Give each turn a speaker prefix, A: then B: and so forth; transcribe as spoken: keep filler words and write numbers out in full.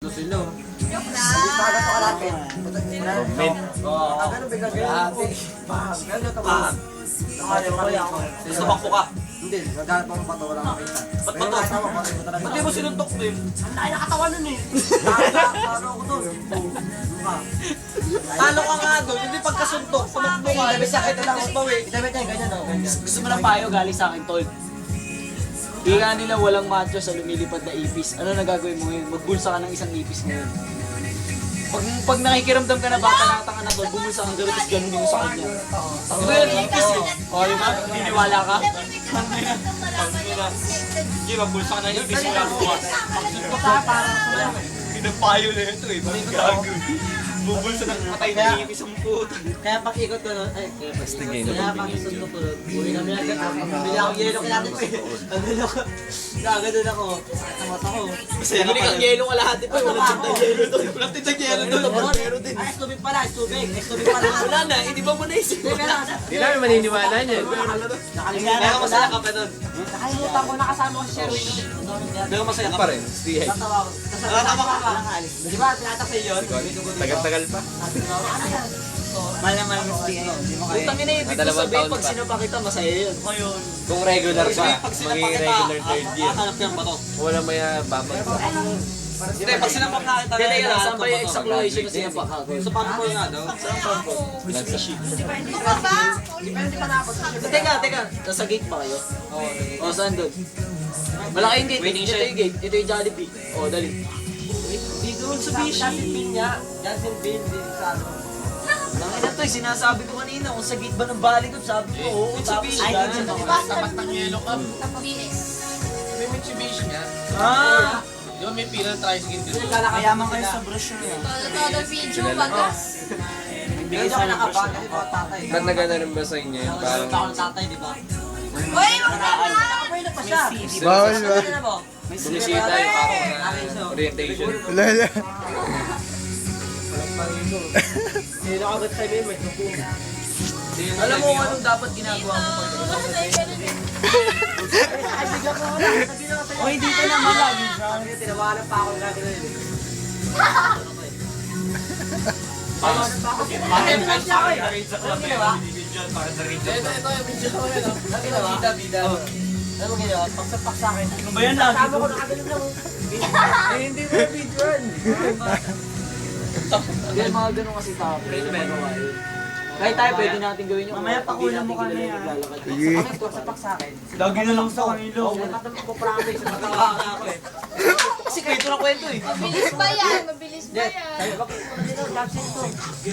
A: Silo.
B: Joke lang.
C: Hindi pa ganito kalapit.
A: Mint.
C: Oo. Ah, ganun bigla ganun. Bam. Ganun ito ba? Nakaya ko yan.
A: Sumakpo ka.
C: Hindi, naghanap ako ng bato, wala makita.
A: Ba't
C: Pero
A: bato?
C: nakita ko, bakit mo talaga.
A: Ba't di mo sinuntok din?
C: Ang layo nakatawan nun eh. Nakakano ako dun. Mukha.
A: Talo ka nga doon, hindi pagkasuntok. Tumakbo ka,
C: Idabit niya, ito lang.
A: tapos bawi.
C: Idabit niya, ganyan o. Ganyan.
D: Gusto mo ng payo galing sa akin, tol. Ika nila walang macho sa lumilipad na ipis. Ano na gagawin mo ngayon? Magbulsa ka ng isang ipis ngayon. Pag, pag nakikiramdam ka na bata nakatanga na tol, bumulsa kang gano'n, tapos ganunin mo sa kanya. Ito yan, ipis eh. O, di ba? Niniwala ka?
A: Hindi, magbulsa ka ng ibis wala mo.
C: Ito ka, parang wala.
A: Pinapayo na ito eh, bakit gagawin? Bubulsa ng patay na ibis ang puto.
C: Kaya pag ikot ko nun, ay, kaya pag ikot ko, kaya pag isundo ko nun, uwi kami agad, bili ako yelo kailangan ko eh. Ano ako, nagagano'n ako, sakit ang mata ko.
A: Masaya ka pala.
D: yelo ka lahat ito. Walang tindang yelo doon.
A: Walang tindang yelo doon. Meron din.
C: Ay, tubig pala, tubig, tubig pala.
D: Wala na, hindi ba mo naisip?
C: Hindi, meron.
E: Hindi namin maniniwala niyan.
C: Nakalimutan
A: Kaya
C: ko
A: masaya
C: na.
A: ka pa doon.
C: Nakalimutan ko, nakasama ko si Sherwin.
A: Pero masaya ka
E: Pa rin, stay high.
C: Tatawa ko. Kasama ka ka. Di ba, tinatak sa'yo yun?
E: Tagal-tagal pa.
C: Sabi ko, ano yan?
D: Malaman mo si Utang ina ibig ko
E: Dalawang
D: sabihin,
E: taon
D: pag
E: pa.
D: sinapa kita, masaya yun.
A: Ngayon.
E: Kung regular pa,
A: Pag sinapak
E: magiging
A: kita,
E: regular third year.
A: hahanap ka ng bato.
E: Wala maya babag.
A: Hindi, pag sinapak na kita,
D: Hindi, teka lang,
A: hahanap
D: saan ba
A: ng
D: yung
A: bato.
D: exact location na sinapa ka?
A: Sa pangko nga daw.
D: Saan pa po?
B: Ano ka ba?
C: Depende pa na ako.
D: Teka, teka, nasa gate pa kayo? O, saan doon? Malaki yung gate,
A: Waiting
D: ito
A: shed.
D: yung gate, ito yung Jollibee. O, dali.
C: Dito sa Johnson Bean niya. Johnson Bean, dito sa ano.
D: Langin na to, eh, sinasabi ko kanina, kung sa gate ba ng Baligon, sabi ko, oo, tapos
C: Ay,
D: gano'n.
C: dito
B: Diba,
C: ako.
B: tapat ng yellow cup. B S.
E: May Mitsubishi nga.
D: Ah!
E: Di ba may pila tricycle dito?
C: Kayaman kayo sa brochure niya.
B: Todo video, bagas.
C: Bigay sa akin ba? Kasi mga tatay.
E: Ba't nagana rin ba sa inyo yun? Parang
C: Parang ako ng tatay, di ba?
B: Uy, wag na ba?
C: Nakapwede pa siya.
F: Bawal ba?
C: Ano mo?
E: bumisita yung parang
C: Akin siya.
E: orientation.
F: Lala.
C: Sino agad sa may may tupo.
D: Alam mo kung anong dapat ginagawa mo pag
C: Ay, bigla ko wala. Sabi na kasi. Oy, dito na malagi. Sabi niya, tinawalan pa ako ng gagawin. Tinawalan pa ako. Bakit lang siya ako eh. Ano ginawa?
E: Ito, ito yung video ko yun.
C: Ano ginawa?
E: Bida, bida.
C: Ano ginawa? Pagsapak sa akin.
D: Ano ba yan lagi?
C: Sabi ko nakagaling lang.
E: Eh, hindi mo yung video yun.
D: Hindi, mga ganun kasi tao. Pwede magawa yun. Kahit tayo, pwede natin gawin yung
C: Mamaya
D: pag di
C: pakulan
D: natin
C: mo kami,
D: kilala
C: ah.
D: naglalakad.
F: Sige.
C: Bakit pagsapak sa akin?
A: Lagi na lang sa kanilo.
C: Oo, natatama ko promise.
A: Matawa ka ako eh.
D: Kasi kwento na kwento eh.
B: Mabilis ba yan? Mabilis ba
C: Sabi
B: yan?
C: ko, bakit mo na dito? Job site to.